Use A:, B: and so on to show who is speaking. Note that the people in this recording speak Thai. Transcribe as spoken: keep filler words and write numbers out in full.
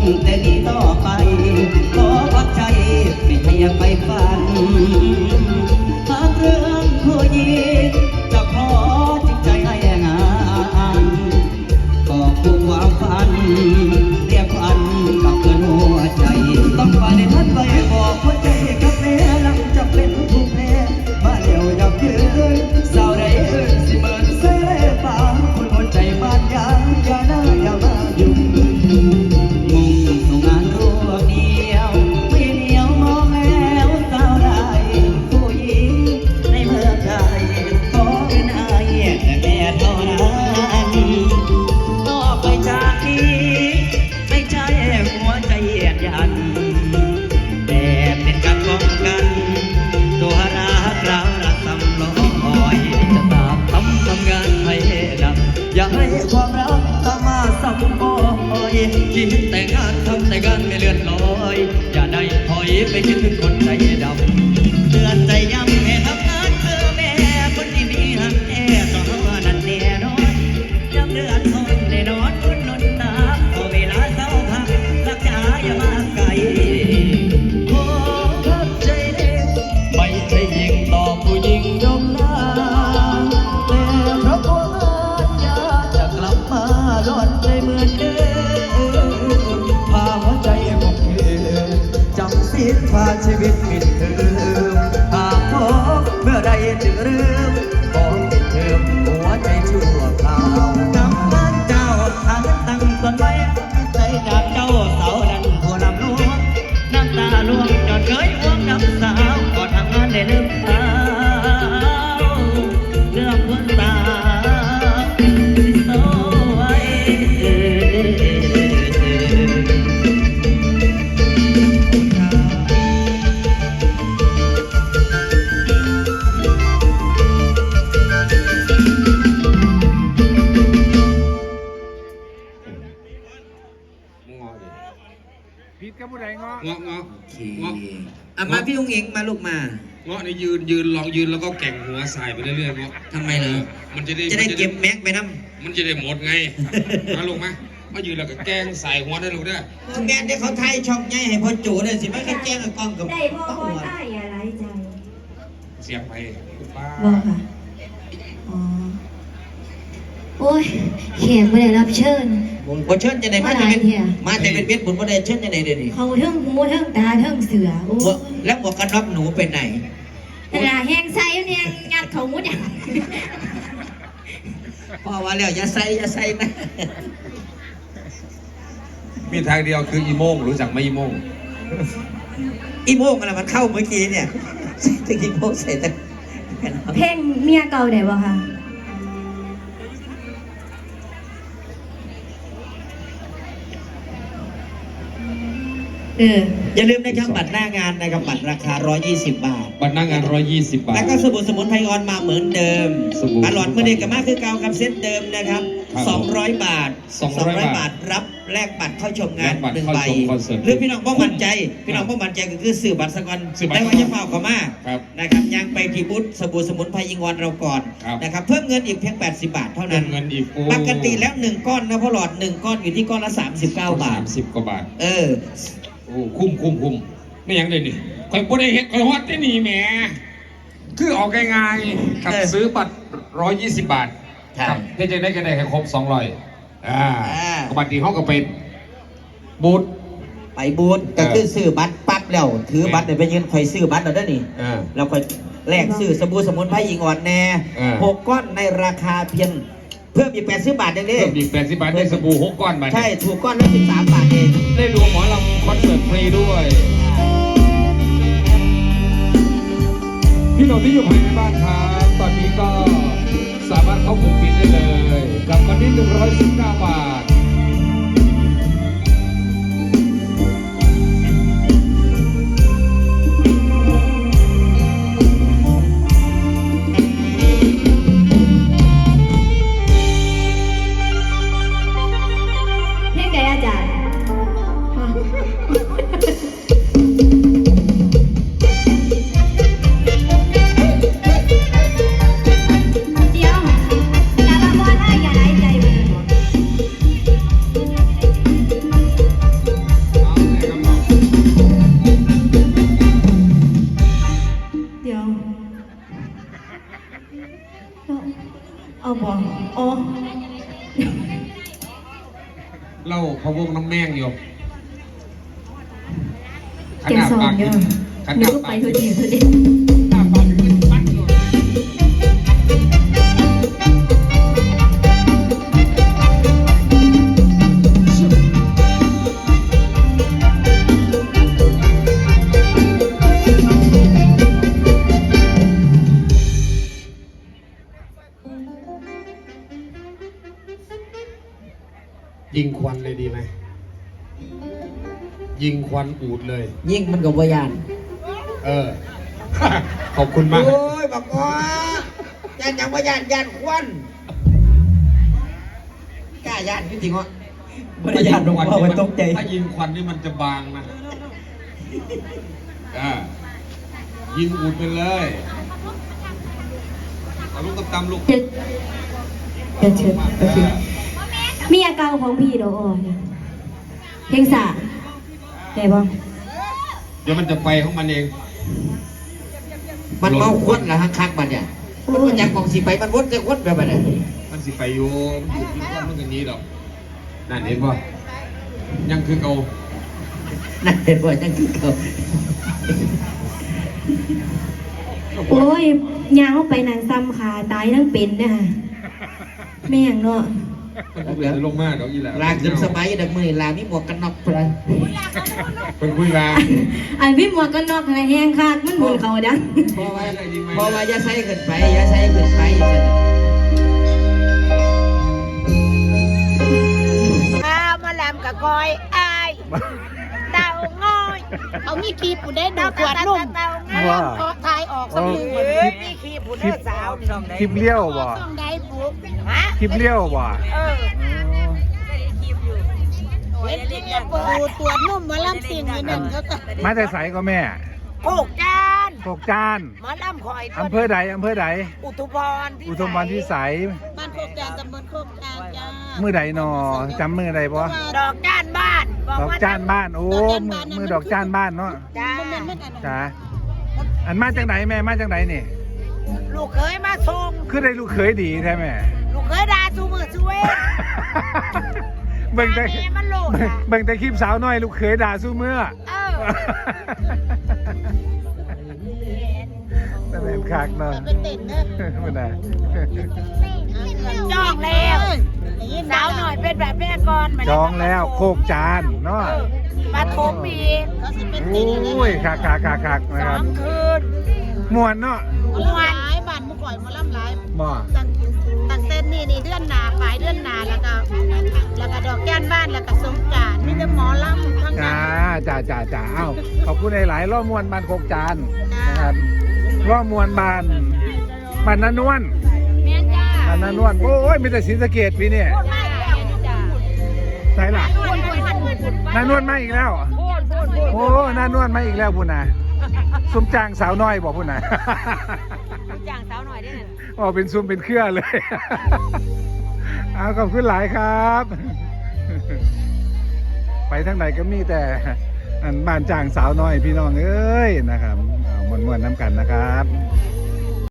A: แต่นี้ต่อไปขอวัดใจไม่ให้ไปฝันหากเรื่องผู้หญิงจะขอจิตใจให้งานก็คู่ความฝันเรียกฝันกับเพื่อนหัวใจต้องไปในทันไปบอกหัวใจกับแม่หลังจะเป็นผู้แพ้มาเลี้ยวยับยืนสาวใดเอ่ยสิเมินเสยเลยป่าคนหัวใจบ้านยางอย่าหน้าอย่ามายุ่งมุ่งสู่งานรวบเดียวไม่เหนียวมองแล้วสาวใดผู้หญิงในเมืองไทยขอเป็นอายแต่แม่เท่านั้นต่อไปจากนี้ไม่ใช่หัวใจเยียดยันแต่เป็นการป้องกันตัวรักเราละสำลอยจะตามทำทำงานให้ดับอย่าให้ความรักตามมาซ้ำก้อยคิดแต่งานทำแต่งานไม่เลื่อนลอยอย่าได้ถอยไปคิดถึงคนใจดำเตือนใจย้ำให้ทำงานคือแม่คนที่มีหักแน่ต่อว่านั่นแน่นอนย้ำเดือดทนแน่นอนคนนนตาพอเวลาเศร้าพักรักษาอย่ามาไกลขอพักใจเด็กไม่ใช่ยิงต่อผู้หญิงยอมหน้าแต่เพราะว่าอยากจะกลับมาหลอนใจเหมือนเดิมพาหัวใจผมเธอจำสิ้นพาชีวิตมิดเธอหากพบเมื่อใดจึงลืมบอกติดเธอหัวใจชั่วคราวกำลังเจ้าทางตั้งต้นไว้ใจจากเจ้าเสาดันหัวลำลวงน้ำตาล่วงจอดเคยห่วงน้ำสาวก่อนทำงานได้ลืมเท้าเรื่องหัวตาโซ่ไว้
B: ผิดกับผู้ใดเงาะ
C: เงาะเงาะ
A: โอเค
C: เงาะ
A: อ่ะมาพี่องค์เองมาลูกมา
C: เงาะนี่ยืนยืนลองยืนแล้วก็แก่งหัวใส่ไปเรื่อยๆเงาะ
A: ทำไมเหรอ
C: มันจะได้
A: จะได้เก็บแม็กไปน้ำ
C: มันจะได้หมดไงมาลงมามายืนแล้วก็แกงใส่หัวได้ลูกเด้อ
A: แม่ได้เขาไทยช่องใหญ่ให้พ่อจูเลยสิไม่ก็แจ้งกับกล้องกับ
D: ได้พ่อพ่อได้อย่าไร้ใจ
C: เสียบไปป้า
D: บอกค่ะ อ๋อ โอ้ยเขียนไม่ได้รับเชิญ
A: บ่เชิญจะไหนมาจะเป็น
D: มาหลายเที่ย
A: มาแต่เป็นเบ็ดบุญบ่ได้เชิญจะไหนเดี๋ยวนี้
D: เขาเทิงหูเทิงตาเทิงเสือโอ้
A: บ่แล้วหมวกกันน็อกหนูไปไหน
D: แต่ละแห้งไซเนี่ยงัดเขามุดอย่าง
A: พ่อว่าแล้วอย่าใส่อย่าใส่นะ
C: มีทางเดียวคืออีโมงรู้จักไหมอีโมง
A: อีโมงอะไรมันเข้าเมื่อกี้เนี่ยใส่ตะกี้โมงใส่ตะ
D: เพลงเมียเก่าได้บ่คะเออ
A: อย่าลืมนะครับบัตรหน้างานนะครับบัตรราคาหนึ่งร้อยยี่สิบบาท
C: บัตรหน้างานร้อยยี่สิบบาท
A: แล้วก็สบู่สมุนไพรออนมาเหมือนเดิม
C: สบู่
A: ตลอดเมื่อเด็กกับมากคือเก่ากับเซตเดิมนะครับ
C: ครับ
A: สองร้อยบาท
C: สองร้อย
A: บาทรับแลกบัตรเข้าชมงาน
C: แลกบัตร
A: หนึ่ง
C: เข้า
A: ใบ
C: ชมคอนเสิร์ต
A: หรือพี่น้องบ่มั่นใจ พี่น้องบ่มั่นใจก็คือซื้อบัตรสกอน
C: ซื้อบัตร
A: ได้ว่าจะเฝ้าเขามา
C: ครับ
A: นะครับยังไปที่บูธสบู่สมุนไพรยิงวอนเราก่อน
C: ครับ
A: นะครับเพิ่มเงินอีกเพียงแปดสิบบาทเท่านั้น
C: เงินอีกโอ้
A: ปกติแล้วหนึ่งก้อนนะพ่อหลอดหนึ่งก้อนอยู่ที่ก้อนละสามสิบเก้าบา
C: สา
A: ท
C: มสิบกว่าบาท
A: เออ
C: โอ้คุ้มคุ้มคุ้มไม่ยังเลยนี่คอยบ่ได้เห็นคอยฮอดได้นี่แหมคือออกง่ายๆกับ
A: เออ
C: ซื้อบัตรร้อยยี่สิบบาท
A: ใช่
C: ครับได้จะได้กันได้แค่ครบสองร้อยอ่า
A: อ่า
C: บัตรที่ห้องก็เป็นบูธ
A: ไปบูธก็คือซื้อบัตรปั๊บแล้วถือบัตรเดี๋ยวไปยืนคอยซื้อบัตรเราได้นี่
C: อ่า
A: เราคอยแลกซื้อสบู่สมุนไพรยิงอ่อนแน่
C: เออ
A: หกก้อนในราคาเพียงเพิ่มอีกแปดสิบบาทเองดิ
C: เพิ่มอีกแปดสิบบาทได้สบู่หกก้อนบาท
A: ใช่ถูกก้อนละสิบสามบาทเอง
C: ได้ดูหมอลำคอนเสิร์ตฟรีด้วย พี่น้องที่อยู่ภายในบ้านครับตอนนี้ก็สามารถเข้ากลุ่มปิดได้เลยกับวันนี้หนึ่งร้อยสิบเก้าบาท
D: เพลงใดอาจารย์ฮะเดี๋ยวอย่ามาบ่นอ้ายอย่าไร้ใจบ่ได้บ่
C: ะวงน้ำแมงอยู่
D: เตรียมซ้อมอยู่นึกว่าไปทุกทีทุกที
C: หน้าปากกินปั้นอยู่ ยิงควันเลยดีไหมยิงควันอูดเลย
A: ยิ่งมันกับวายาน
C: เออ ขอบคุณมาก
A: โอ้ยบอกว่ายันยังวายานยานควันกล้ายานจริงๆวะบริยานลงมาไว้ตกใจ
C: ถ้ายิงควันนี่มันจะบางนะอ่ายิงอูดไปเลยเอาลูกตำๆลูก
D: เชิญเชิญเชิญโอเคมีอาการของพี่โดออนเพลงสาได้บ้าง
C: เดี๋ยวมันจะไปของมันเอง
A: มันเมาควันเหรอฮะคักมันเนี่ยมันอยากมองสีไปมันวนจะควันแบบไหน
C: มันสิไปอยู่มันอยู่ที่ควันมันกันนี้หรอกนั่นเห็นป่ะยังคือเก่า
A: นั่นเห็นว่านั่นคือเขา
D: โอ้ยยางเข้าไปนางซ้ำขาตายทั้งเป็นนะแม่งเนาะ
C: มันเหลือลงมากเดี๋ยวอีหล่ะ
A: ลางจนสมัยดักมือลามีหมวกกันน็อกไปเลย
C: เป็นคุยมา
D: ไอ้พี่หมวกกันน็อกอะไรแห้งคากมันหมุนเขาดัง
A: พอว่าพอว่าอย่าใส่เกินไปอย่าใส่เกินไป
E: ข้าวมาลำกับกอยอายเต่าง้อยเอามีคีบผู้ได้ดูขวดนุ่มว่าขอทายออกสักหนึ่งมีคีบผู้ได้สาว
B: คลิปเลี้ยวบ่
E: ต้องได้ปุ๊บฮะ
B: คลิปเลี้ยวบ่
E: เออเห็นที่เนี่ยปูตัวนุ่มมาลำสิ่งนี่หนึ่งเขาก็
B: มาแต่ใสก็แม่
E: โขกจาน
B: ตกจาน
E: มาลำคอย
B: อำเภอใดอำเภอใด
E: อุทุพร
B: อุทมพรพิสัย
E: บ้านโคกจานตำบลโคกจานจ้า
B: มือใดหนอจำมือใดบ่
E: ดอกจานบ้าน
B: ดอกจานบ้านโอ้มือมือดอกจานบ้านเนาะ
E: จ้า
B: จ้าอันมาจากไหนแม่มาจากไหนนี่
E: ลูกเคยมาส่ง
B: คือได้ลูกเขยดีแท้แม่
E: ลูกเคยด่าซูมือซูเว
B: เบิ่งแต่
E: แม่มันโลด
B: เบิ่ง
E: อะ
B: เบิ่งแต่คลิปสาวน้อยลูกเขยด่าสู้เมื่อ
E: เออ
B: นั่นเป็นคักเนาะ
E: เป็นติดเนอะ
B: มันน่ะ
E: จองแล้วสาวหน่อยเป็นแบบแม่ก่อนมา
B: จองแล้วโคกจานเนาะ
E: เออมาทมอีกเขาสิเป็นติด
B: โอ้ยคักคักคักคักนะ
E: ส
B: ค
E: อ
B: รับ
E: งคืน
B: มวนเนาะ
E: มวนหลายบ้านมุก่อยมาล่ำหลาย
B: บ่
E: ตั้งตั้งเต้นนี่นี่เดือนหนาปลายเดือนหนาแล้วก็แล้วก็ดอกแก้นบ้านแล้วก็สงกรานต์มีแต่หมอลำทั้งนั้
B: จ้าน จ้าจ้าจ้าเอ้าขอบคุณหลายๆล่อมวนบานโคกจานนะครับล่อมวนบานบานนันนวล
E: แม่จ้า
B: บานนันนวลโอ้ยมีแต่ศรีสะเกษพี่เนี่ย
E: พูดมาแล้วจ้า
B: ใช่ล่ะ
E: พูดพูดพูดพูด
B: นานวลมาอีกแล้ว
E: พูดพูดพูด
B: โอ้นานวลมาอีกแล้วพุ่นน่ะซุ้มจางสาวน้อยบอกพุ่นน่ะ
E: จ้างสาวหน่อยได้ไหม
B: อ๋อเป็นซุ้มเป็นเครือเลย เอาขอบคุณหลายครับ ไปทางไหนก็มีแต่อันบ้านจางสาวน้อยพี่น้องเอ้ยนะครับเอามวนๆน้ำกันนะครับ